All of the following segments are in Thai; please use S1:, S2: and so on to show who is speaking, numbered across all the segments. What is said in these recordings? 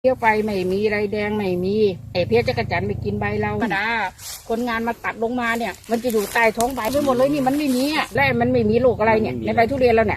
S1: เที่ยวไปไม่มีไรแดงไม่มีไอ้เพี้ยจักรจั่นไปกินใบเราธรรมดาคนงานมาตัดลงมาเนี่ยมันจะอยู่ใต้ท้องใบไปหมดเลยนี่มันไม่มีอ่ะและมันไม่มีโรคอะไรเนี่ยในใบทุเรียนแล้วเนี่ย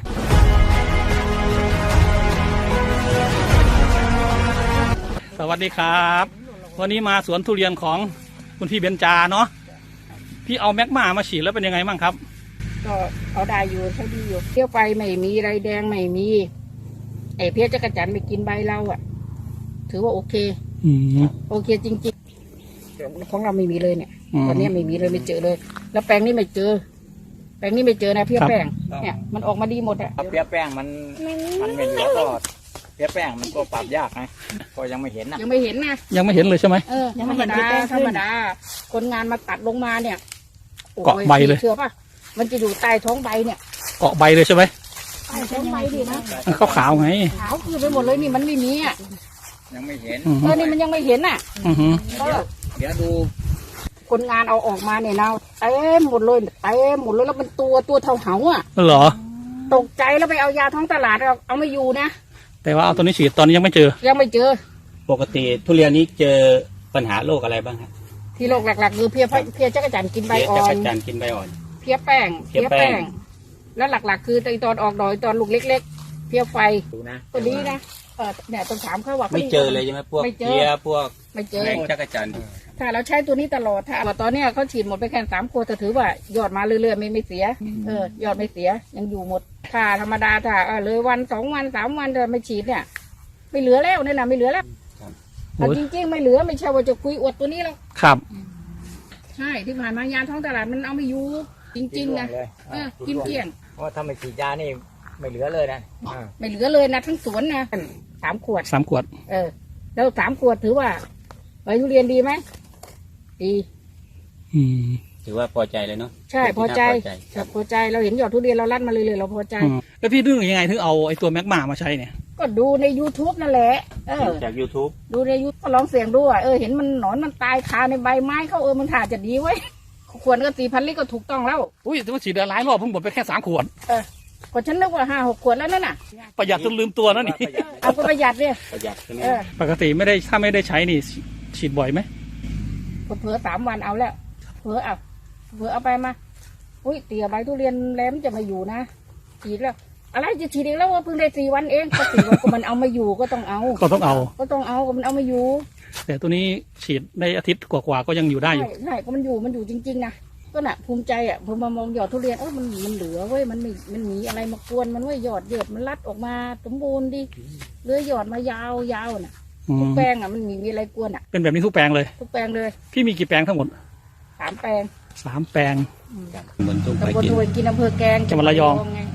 S2: สวัสดีครับวันนี้มาสวนทุเรียนของคุณพี่เบญจาเนาะพี่เอาแมกมาฉีดแล้วเป็นยังไงบ้างครับ
S1: ก็เอาได้อยู่ใช้ดีอยู่เที่ยวไปไม่มีไรแดงไม่มีไอ้เพี้ยจักรจั่นไปกินใบเราอ่ะถือว่าโอเคโอเคจริงๆของเราไม่มีเลยเนี่ยตอนนี้ไม่มีเลยไม่เจอเลยแล้วแปลงนี้ไม่เจอแปลงนี้ไม่เจอนะเพี้ยแป้งเนี่ยมันออกมาดีหมดอ่ะ
S3: เพี้ยแป้งมันไม่เหลือก็เพี้ยแป้งมันก็ปรับยากไงก็ยังไม่เห็นนะ
S1: ยังไม่เห็นนะ
S2: ยังไม่เห็นเลยใช่ไหม
S1: ยังไม่เห็นธรรมดาคนงานมาตัดลงมาเนี่ย
S2: เกาะใบเลย
S1: เชื่อป่ะมันจะอยู่ใต้ท้องใบเนี่ย
S2: เกาะใบเลยใช่ไหม
S1: ใต้ท้องใบดีนะ
S2: ขาวไง
S1: ขาวคือไปหมดเลยนี่มันไม่มีอ่ะ
S3: ยังไม่เห็น
S1: นี่มันยังไม่เห็นอ่ะ
S3: เดี๋ยวดู
S1: คนงานเอาออกมาเนี่ยนะเต็มหมดเลยเต็มหมดเลยแล้วมันตัวเท่าเหาอ่ะ
S2: เหรอ
S1: ตกใจแล้วไปเอายาท้องตลาดเอาไม่อยู่นะ
S2: แต่ว่าเอาตัวนี้ฉีดตอนนี้ยังไม่เจอ
S3: ปกติทุเรียนนี้เจอปัญหาโรคอะไรบ้างครับ
S1: ที่โรคหลักๆคือเพี้ยจักรจั่นกินใบอ่อนเพี้ยแป้งแล้วหลักๆคือตอนออกดอกตอนลูกเล็กๆเพี้ยไฟตัวนี้นะเนี่ยต้องถามเขาว่า
S3: ไม่เจอเลยใช่ไหมพวกเพี้ยพวก
S1: ไม่เจอ
S3: จักรจั่น
S1: ถ้าเราใช้ตัวนี้ตลอดถ้าตอนนี้เขาฉีดหมดไปแค่3 ขวดแต่ถือว่ายอดมาเรื่อยๆไม่เสียยอดไม่เสียยังอยู่หมดถ้าธรรมดาถ้าเลยวัน2 วัน3 วันไม่ฉีดเนี่ยไม่เหลือแล้วเนี่ยนะไม่เหลือแล้วจริงๆไม่เหลือไม่ใช่ว่าจะคุยอวดตัวนี้แล้ว
S2: ครับ
S1: ใช่ที่ผ่านมายาท้องตลาดมันเอาไม่อยู่จริงๆนะกินเกลี้ยง
S3: เพราะถ้าไม่ฉีดยานี่ไม่เหลือเลยนะ
S1: ไม่เหลือเลยนะทั้งสวนนะ3 ขวดแล้ว3 ขวดถือว่าใบทุเรียนดีไหมดี
S3: ถือว่าพอใจเลยเนาะ
S1: ใช่พอใจพอใจเราเห็นยอดทุเรียนเราลั่นมาเลยเราพอใจ
S2: แล้วพี่นึกยังไงถึงเอาไอ้ตัวแมกมามาใช้เนี่ย
S1: ก็ดูใน YouTube นั่นแหละ
S3: จาก YouTube
S1: ดูใน YouTube ก็ลองเสี่ยงดูเห็นมันหนอนมันตายคาในใบไม้เขามันถ่าจะดีไว้ขวดก็4,000 ลิตรก็ถูกต้องแล้ว
S2: อุ้ยแต่ว่าฉีดหลายรอบเพิ่งหมดไปแค่3 ขวด
S1: ก็ฉันนึกว่า5-6 ขวดแล้วนั่นน่ะ
S2: ประหยัดจนลืมตัวนั่นนี่
S1: เอาก็ประหยัดเนี่ย
S3: ประหยัดใช่ไหม
S2: ปกติไม่ได้ถ้าไม่ได้ใช้นี่ฉีดบ่อยไหม
S1: เผลอ3 วันเอาแล้วเผลอเอาไปมาอุ้ยเตี๋ยใบทุเรียนแหลมจะมาอยู่นะฉีดแล้วอะไรจะฉีดอีกแล้วว่าเพิ่งได้4 วันเองก็4 วันก็มันเอามาอยู่ก็ต้องเอา
S2: ก็มัน
S1: เอามาอยู่
S2: แต่ตัวนี้ฉีดในอาทิตย์กว่าก็ยังอยู่ได้อยู่
S1: ใช่ก็มันอยู่จริงๆนะก็น่ะภูมิใจพอมามองยอดทุเรียนมันเหลือเว้ยมันมีอะไรมากวนมันเว้ยยอดมันรัดออกมาสมบูรณ์ดิเลื้อยยอดมายาวน่ะทุกแปลงมันมีอะไรกวน
S2: เป็นแบบนี้ทุกแปลงเลยพี่มีกี่แปลงทั้งหมด
S1: 3 แปลง
S2: 3 แปลง
S3: เหมือนทุกไป
S1: กินอำเภอแกลง
S2: จังหวัดระยอง